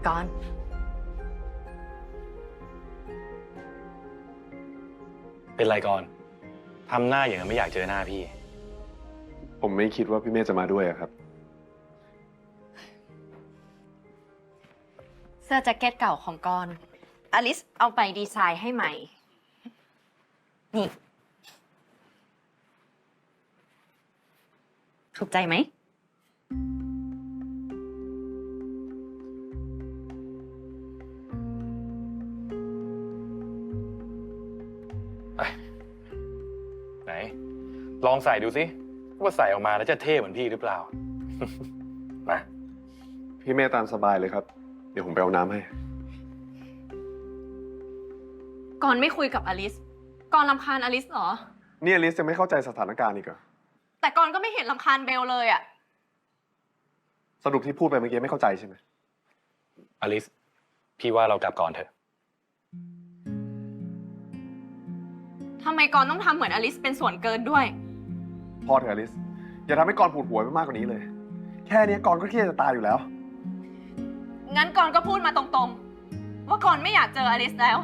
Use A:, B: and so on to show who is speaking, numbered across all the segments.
A: ก่อน
B: เป็นไรก่อนทำหน้าอย่างนั้นไม่อยากเจอหน้าพี่
C: ผมไม่คิดว่าพี่เมฆจะมาด้วยอะครับ
A: เสื้อแจ็คเก็ตเก่าของกอนอลิสเอาไปดีไซน์ให้ใหม่ นี่ ถูกใจไหม
B: ไหน ลองใส่ดูสิว่าใส่ออกมาแล้วจะเท่เหมือนพี่หรือเปล่า มา
C: พี่เมฆตามสบายเลยครับ เดี๋ยวผมไปเอาน้ำให้
A: ก่อนไม่คุยกับอลิส ก่อนรำคาญอลิสเหรอ
C: นี่อลิสยังไม่เข้าใจสถานการณ์อีกเหรอ
A: แต่ก่อนก็ไม่เห็นรำคาญเบลเลยอะ
C: สรุปที่พูดไปเมื่อกี้ไม่เข้าใจใช่ไหม
B: อลิส พี่ว่าเรากลับก่อนเถอะ
A: ทำไมก่อนต้องทำเหมือนอลิสเป็นส่วนเกินด้วย
C: พอเถอะอลิส อย่าทำให้กรปวดหัวไปมากกว่านี้เลย แค่นี้กรก็เครียดจะตายอยู่แล้ว
A: งั้นก่อนก็พูดมาตรงๆ ว่าก่อนไม่อยากเจออลิสแล้ว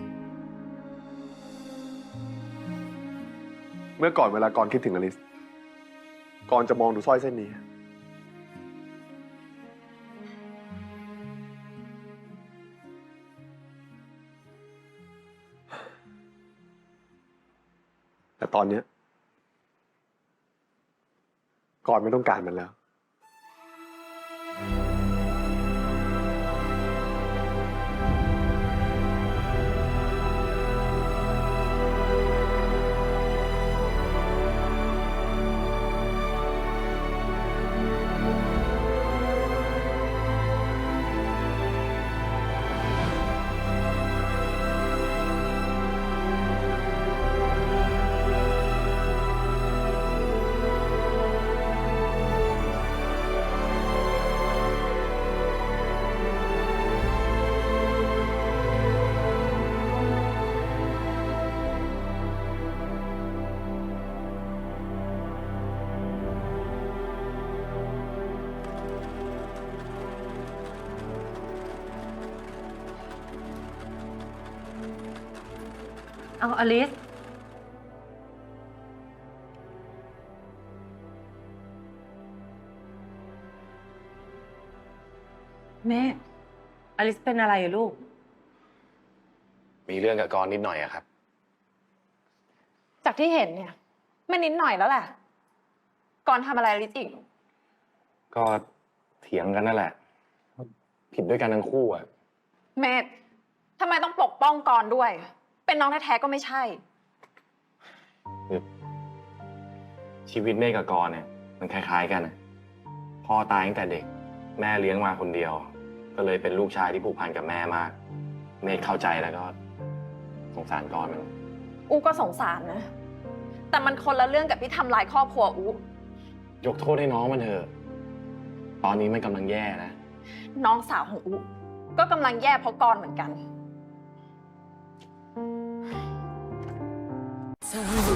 C: เมื่อก่อนเวลากรคิดถึงอลิส กรจะมองดูสร้อยเส้นนี้ แต่ตอนเนี้ยกรไม่ต้องการมันแล้ว
A: เอาอลิส
D: แม่อลิสเป็นอะไรอะลูก
B: มีเรื่องกับกรนิดหน่อยอะครับ
A: จากที่เห็นเนี่ยไม่นิดหน่อยแล้วแหละ ก่อนทำอะไรอลิสอีก
B: ก็เถียงกันนั่นแหละ ผิดด้วยกันทั้งคู่อะ
A: เมธทำไมต้องปกป้องก่อนด้วย เป็นน้องแท้ๆก็ไม่ใช่
B: ชีวิตเมฆกับกรเนี่ยมันคล้ายๆกันอะพ่อตายตั้งแต่เด็ก แม่เลี้ยงมาคนเดียว ก็เลยเป็นลูกชายที่ผูกพันกับแม่มาก เมฆเข้าใจแล้วก็สงสารกรมัน
A: อูก็สงสารนะ แต่มันคนละเรื่องกับที่ทำลายครอบครัวอู
B: ยกโทษให้น้องมันเถอะ ตอนนี้มันกำลังแย่นะ
A: น้องสาวของอูก็กำลังแย่เพราะกรเหมือนกัน
E: เธอรู้